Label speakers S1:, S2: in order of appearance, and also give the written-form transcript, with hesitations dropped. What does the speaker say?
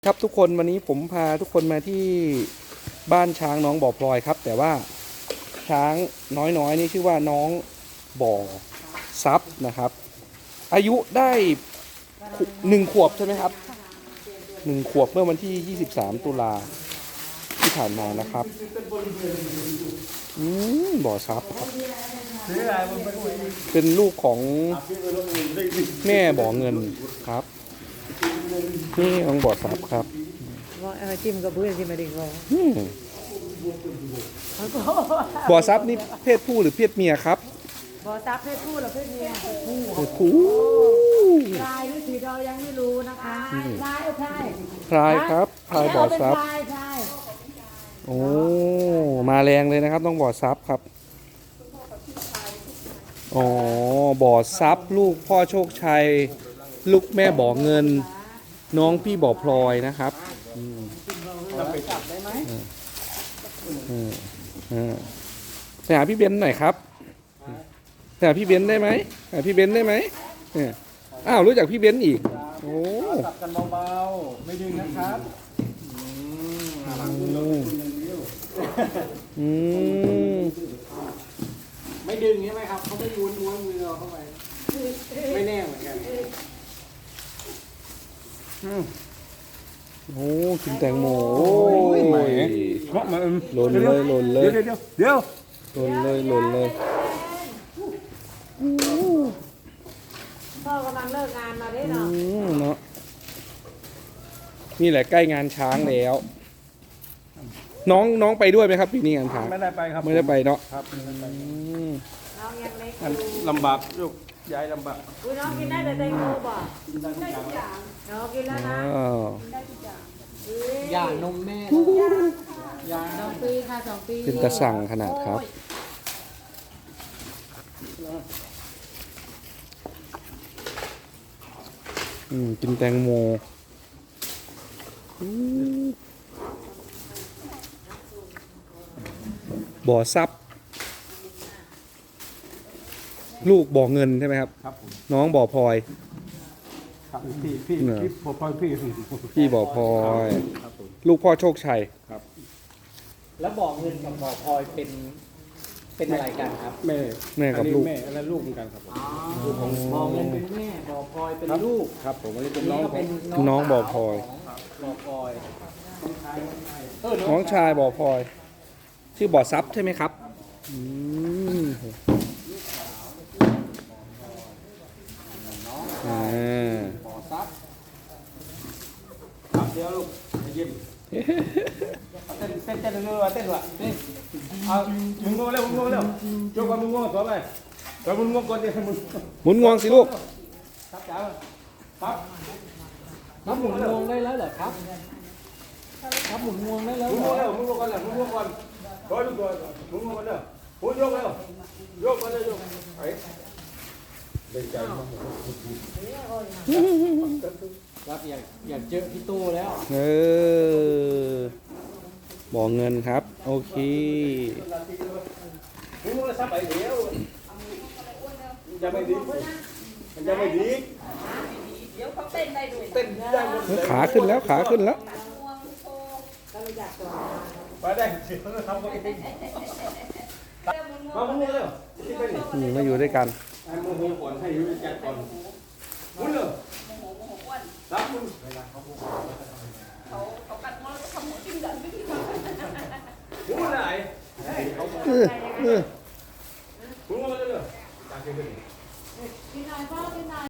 S1: ครับทุกคนวันนี้ผมพาทุกคนมาที่บ้านช้างน้องบ่อพลอยครับแต่ว่าช้างน้อยนี่ชื่อว่าน้องบ่อซับนะครับ อายุได้1 ขวบใช่ไหมครับ1 ขวบเมื่อวันที่23 ตุลาที่ผ่านมานะครับบ่อซับครับเป็นลูกของแม่บ่อเงินครับนี่น้องบ่อซับครับ
S2: จิ้มกับเพื่อนจิ้มมาดีกว่า
S1: บ่อซับนี่เพศผู้หรือเพศเมียครับ
S2: บ่อซับเพศผู้หรือเพศเมีย
S1: เพศผู้
S2: พลายหรือสีดอยังไม่รู้นะคะพลายพลาย
S1: พลายครับพลายบ่อซับโอ้มาแรงเลยนะครับต้องบ่อซับครับอ๋อบ่อซับลูกพ่อโชคชัยลูกแม่บ่อเงินน้องพี่บ่อพลอยนะครับ
S2: ไปจับได้ไหม
S1: ไปหาพี่เบนหน่อยครับไปหาพี่เบนได้ไหมหาพี่เบนได้ไหมอ้าวรู้จักพี่เบนอีกโอ้
S3: จับกันเบาๆไม่ดึงนะครับไม่ดึงใช่ไหมครับเขาไม่ม้วนมือเราเข้าไปไม่แน่เหมือนกัน
S1: โอ้กินแตงโมโอ้ย
S3: เพราะมัน
S1: หล่นเลยหล่นเลย
S3: เดี๋ยว
S1: หล่นเลยหล่นเลย
S2: พ่อกำลังเลิกงานมาได้
S1: เนาะนี่แหละใกล้งานช้างแล้วน้องไปด้วยไหมครับปีนี้งานช้าง
S3: ไม่ได้ไปครับ
S1: ไม่ได้ไปเนาะ
S3: ครับ
S2: น้องยังเล็ก
S3: ลำบากลูกย้ายลำบาก
S2: น้องกินได้แต่แตงโมบ่ได้ทุกอย่างน้องกินแล้วนะกินได้ทุกอย่าง
S3: ย่านมแม่
S2: ยา2 ปีค่ะ2 ปี
S1: เป็นตะสั่งขนาดครับกินแตงโมบ่อซับลูกบ่อเงินใช่ไหมครับ
S3: ครับ
S1: น้องบ่อพลอย
S3: ครับพี่บ่อพลอย
S1: พี่บ่อพลอยลูกพ่อโชคชัย
S3: ครับ
S4: แล้วบ่อเงินกับบ่อพลอยเป็นอะไรกันครับ
S3: แม่
S1: กับลูก
S3: แม่และลูกเหมือนกันครับ
S4: บ่อเงินเป็นแม่บ่อพลอยเป็นลูก
S3: ครับผมอันนี้เป็นน้อง
S1: น้องบ่อพลอย
S4: บ่อพลอย
S1: น้องชายบ่อพลอยชื่อบ่อซับใช่ไหมครับ
S3: บ่อซับครับเดี๋ยวลูกยิ้มเต้นเร็วเต้นว่ะนี่เอามึงงงเร็วยกว่ามึงงงตัวไปตัวมึงงงก่อนเดี๋ยวมึง
S1: หมุนงวงสิลูก
S3: ครับจ๋าครับ
S4: ครับหมุนงวงได้แล้วเหรอครับครับหมุนงวงได้แล้ว
S3: มึงงงแล้วมึงงงก่อนมึงงงก่อนตัวลูกตัวมึงงงก่อนเด้อพูดยกแล้วยกก่อนเลยยกไอ้เล่นใจมาก
S4: ครับอยากเจอพี่ตู้แล้ว
S1: บ่อเงินครับโอเค
S3: มึงจะซับไปเดี๋ยวจะไม่ดีมันจะไม่ดี
S2: เดี๋ยวเขาเต้นได้ด้วย
S3: เต้นได้หมด
S1: ขาขึ้นแล้วขาขึ้นแล้ว
S3: ไปได้เสียงทำก็เองมามึงเร็ว
S1: มาอยู่ด้วยกัน
S3: มึงหัวก่อนให้อยู่จัดก่อนมึงเร็วรับมึง
S2: เขากัดมอแล้วก็ทำหัวจิ้มดันไปที่
S3: มึงไหนมึงมาเร็ว
S2: กินหน่อยพ่อกินหน่อย